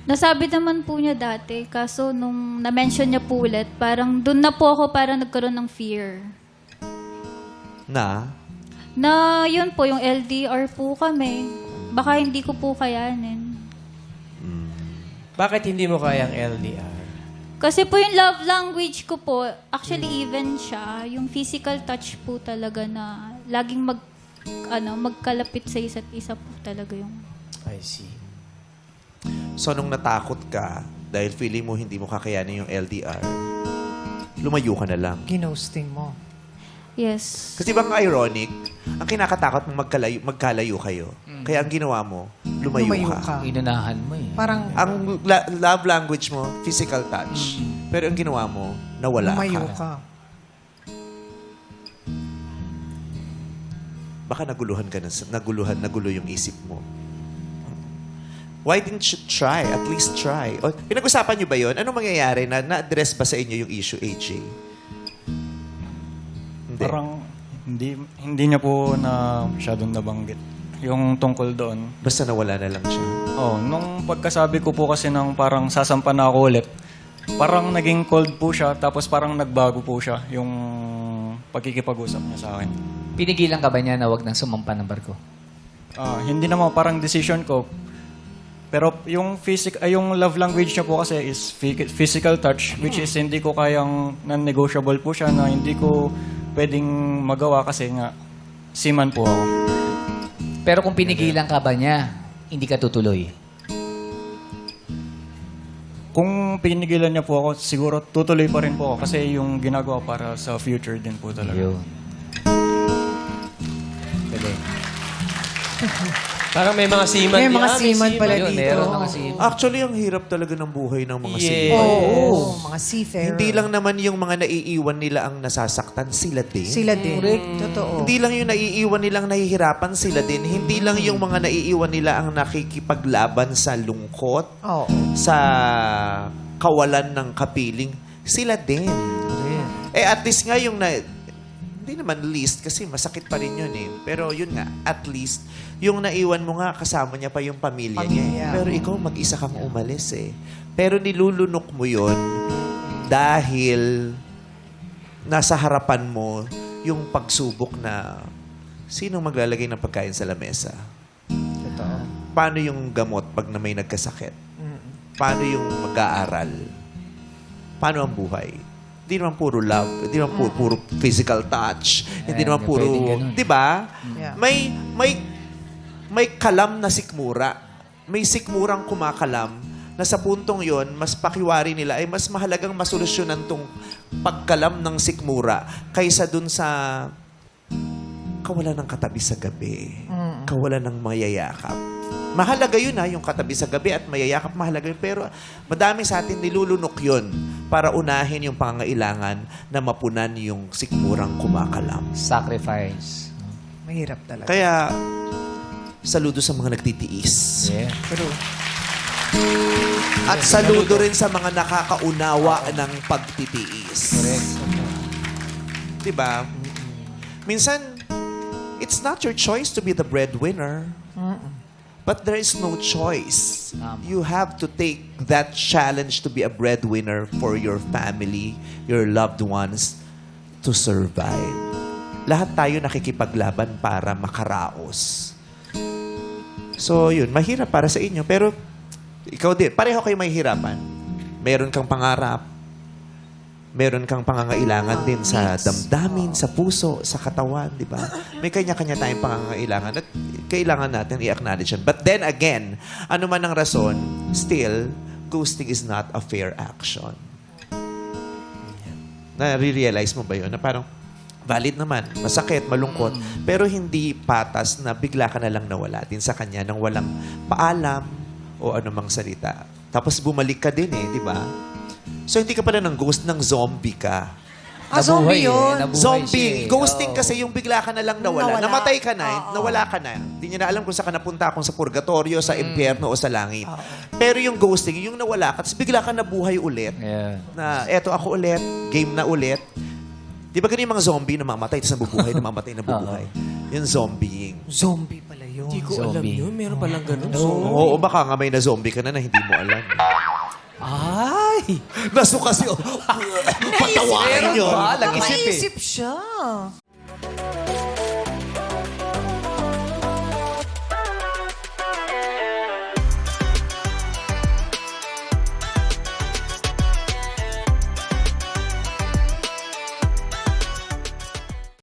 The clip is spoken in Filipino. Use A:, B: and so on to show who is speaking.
A: Nasabi naman po niya dati, kaso nung na-mention niya po ulit, parang doon na po ako parang nagkaroon ng fear.
B: Na?
A: Na yun po, yung LDR po kami. Baka hindi ko po kayanin.
C: Bakit hindi mo kayang LDR?
A: Kasi po yung love language ko po, actually even siya, yung physical touch po talaga na laging magkalapit sa isa't isa po talaga yung...
C: I see.
B: So, nung natakot ka, dahil feeling mo hindi mo kakayanin yung LDR, lumayo ka na lang.
D: Ginosting mo.
A: Yes.
B: Kasi bang ironic, ang kinakatakot mong magkalayo kayo. Kaya ang ginawa mo, lumayo ka.
E: Inunahan mo eh.
D: Parang
B: Ang love language mo, physical touch. Pero ang ginawa mo, nawala
D: lumayo
B: ka.
D: ka.
B: Baka nagulo yung isip mo. Why didn't you try? At least try. O, pinag-usapan niyo ba yun? Anong mangyayari? Na-address ba sa inyo yung issue, AJ? Hindi.
F: Parang hindi niya po na masyadong nabanggit. Yung tungkol doon.
B: Basta nawala na lang siya.
F: Oh, nung pagkasabi ko po kasi ng parang sasampa na ako ulit, parang naging cold po siya, tapos parang nagbago po siya yung pagkikipag-usap niya sa akin.
E: Pinigilan ka ba niya na wag nang sumampa ng barko?
F: Hindi naman parang decision ko. Pero yung yung love language niya po kasi is physical touch, which is hindi ko kayang non-negotiable po siya na hindi ko pwedeng magawa kasi nga seaman po ako.
E: Pero kung pinigilan ka ba niya, hindi ka tutuloy?
F: Kung pinigilan niya po ako, siguro tutuloy pa rin po ako kasi yung ginagawa para sa future din po talaga.
E: Yun. Galing.
C: Parang may mga seaman.
D: May mga seaman pala
E: Yun,
D: dito.
E: meron mga seaman.
B: Actually, ang hirap talaga ng buhay ng mga
C: Yes.
B: seaman.
D: Oo, mga seafarer.
B: Hindi lang naman yung mga naiiwan nila ang nasasaktan, sila din.
D: Sila din. Totoo.
B: Hindi lang yung naiiwan nilang nahihirapan, sila din. Hindi lang yung mga naiiwan nila ang nakikipaglaban sa lungkot,
D: Oo.
B: sa kawalan ng kapiling, sila din. At least nga yung hindi naman least kasi masakit pa rin yun eh. Pero yun nga, at least, yung naiwan mo nga, kasama niya pa yung pamilya niya.
D: Pamilya.
B: Pero ikaw, mag-isa kang umalis eh. Pero nilulunok mo yun dahil nasa harapan mo yung pagsubok na sinong maglalagay ng pagkain sa lamesa?
D: Totoo.
B: Paano yung gamot pag na may nagkasakit? Paano yung mag-aaral? Paano ang buhay? Hindi naman puro love, hindi naman puro physical touch, hindi naman
E: hindi
B: puro,
E: pwedeng ganun.
B: 'di ba?
D: Yeah.
B: May kalam na sikmura. May sikmurang kumakalam na sa puntong 'yon, mas pakiwari nila ay mas mahalagang masolusyonan tong pagkalam ng sikmura kaysa dun sa kawalan ng katabi sa gabi. Kawalan ng mayayakap. Mahalaga yun yung katabi sa gabi at mayayakap, mahalaga yun. Pero madami sa atin nilulunok yun para unahin yung pangangailangan na mapunan yung sikmurang kumakalam.
E: Sacrifice.
D: Mahirap talaga.
B: Kaya, saludo sa mga nagtitiis.
E: Yeah.
D: True.
B: At saludo rin sa mga nakakaunawa ng pagtitiis.
E: Correct.
B: Diba? Minsan, it's not your choice to be the breadwinner. But there is no choice. You have to take that challenge to be a breadwinner for your family, your loved ones, to survive. Lahat tayo nakikipaglaban para makaraos. So, yun. Mahirap para sa inyo. Pero, ikaw din. Pareho kayo mahihirapan. Meron kang pangarap. Meron kang pangangailangan din sa damdamin, sa puso, sa katawan, di ba? May kanya-kanya tayong pangangailangan at kailangan natin i-acknowledge yan. But then again, ano man ang rason, still, ghosting is not a fair action. Na-realize mo ba yun? Na parang, valid naman, masakit, malungkot, pero hindi patas na bigla ka na lang nawala din sa kanya nang walang paalam o anumang salita. Tapos bumalik ka din di ba? So, hindi ka pala ng ghost, ng zombie ka.
D: Zombie yun.
E: Nabuhay
B: Zombie.
E: siya eh.
B: Ghosting
E: Oo.
B: kasi yung bigla ka na lang nawala.
D: Nawala.
B: Namatay ka na, nawala ka na. Hindi niya na alam kung saan ka napunta, kung sa purgatorio, sa impyerno o sa langit. Pero yung ghosting, yung nawala ka, tapos bigla ka nabuhay ulit.
E: Yeah.
B: Na eto ako ulit, game na ulit. Di ba ganyan yung mga zombie na mamatay, tapos nabubuhay, na mamatay, nabubuhay? Yung zombieing.
D: Zombie pala yun. yun.
C: Hindi ko alam
E: Zombie.
C: yun. Meron palang ganun.
B: Oo, baka nga may na-zombie ka na hindi mo alam.
C: Ay!
B: Naso kasi, patawarin yun.
D: Naisip siya.